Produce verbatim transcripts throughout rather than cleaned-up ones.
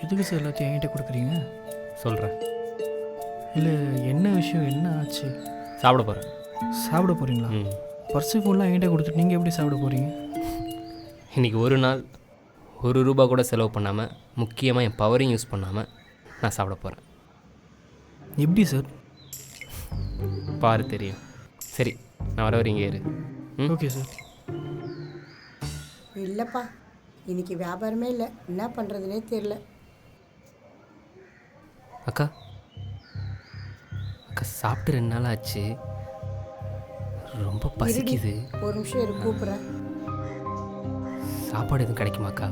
எதுக்கு சார் எல்லாத்தையும் என்கிட்ட கொடுக்குறீங்க? சொல்கிறேன். இல்லை என்ன விஷயம், என்ன ஆச்சு? சாப்பிட போகிறேன். சாப்பிட போகிறீங்களா? ம். பர்ஸு ஃபுல்லாக என்கிட்ட கொடுத்துட்டு நீங்கள் எப்படி சாப்பிட போகிறீங்க? இன்றைக்கி ஒரு நாள் ஒரு ரூபா கூட செலவு பண்ணாமல், முக்கியமாக என் பவரையும் யூஸ் பண்ணாமல் நான் சாப்பிட போகிறேன். எப்படி சார்? பாரு தெரியும். சரி, நான் வர வரீங்க இரு. ம் ஓகே சார். இல்லைப்பா, இன்னைக்கு வியாபாரமே இல்லை, என்ன பண்ணுறதுனே தெரியல. அக்கா அக்கா சாப்பிட்டு ரெண்டு நாள் ஆச்சு, ரொம்ப பசிக்குது. ஒரு நிமிஷம் இரு, கூப்பிட்றேன். சாப்பாடு எதுவும் கிடைக்குமாக்கா?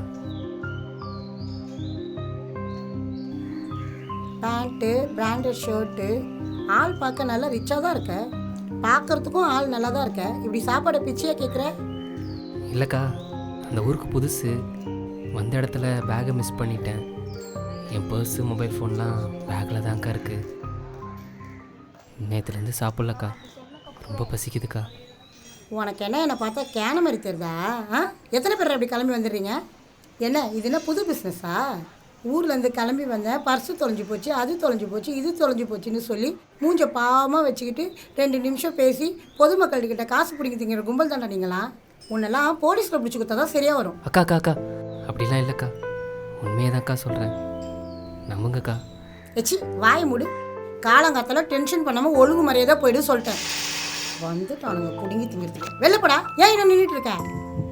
பேண்ட்டு, பிராண்டட் ஷர்ட்டு, ஆள் பார்க்க நல்லா ரிச்சாக தான் இருக்க, பார்க்குறதுக்கும் ஆள் நல்லா தான் இருக்க, இப்படி சாப்பாடை பிச்சையாக கேட்குற? இல்லைக்கா, அந்த ஊருக்கு புதுசு, வந்த இடத்துல பேக்கை மிஸ் பண்ணிட்டேன். என் பர்ஸு மொபைல் ஃபோன்லாம் பேக்கில் தான்க்கா இருக்குது. நேற்றுலேருந்து சாப்பிட்லக்கா, ரொம்ப பசிக்குதுக்கா. உனக்கு என்ன என்னை பார்த்தா கேன மாதிரி தெரியுதா? ஆ, எத்தனை பேர் அப்படி கிளம்பி வந்துடுறீங்க? என்ன இது என்ன புது பிஸ்னஸா? ஊர்லேருந்து கிளம்பி வந்தேன், பர்ஸு தொலைஞ்சி போச்சு, அது தொலைஞ்சி போச்சு, இது தொலைஞ்சி போச்சுன்னு சொல்லி மூஞ்ச பாவமாக வச்சுக்கிட்டு ரெண்டு நிமிஷம் பேசி பொதுமக்கள்கிட்ட காசு பிடிங்க திங்கிற கும்பல் தாண்டா நீங்களா? உன்னெல்லாம் போலீஸில் பிடிச்சி கொடுத்தா தான் சரியாக வரும். அக்கா அக்கா அக்கா அப்படிலாம் இல்லைக்கா, உண்மையை தான்க்கா சொல்கிறேன், நம்புங்கக்கா. எச்சி வாய் மூடு. காலங்காத்தால டென்ஷன் பண்ணாமல் ஒழுங்கு மரியாதை போயிடு சொல்லிட்டேன். வந்துட்டானுங்க பிடுங்கி திங்கிறதுக்கு. வெளிலப்படா, ஏன் இன்னும் நின்றுட்டு இருக்க?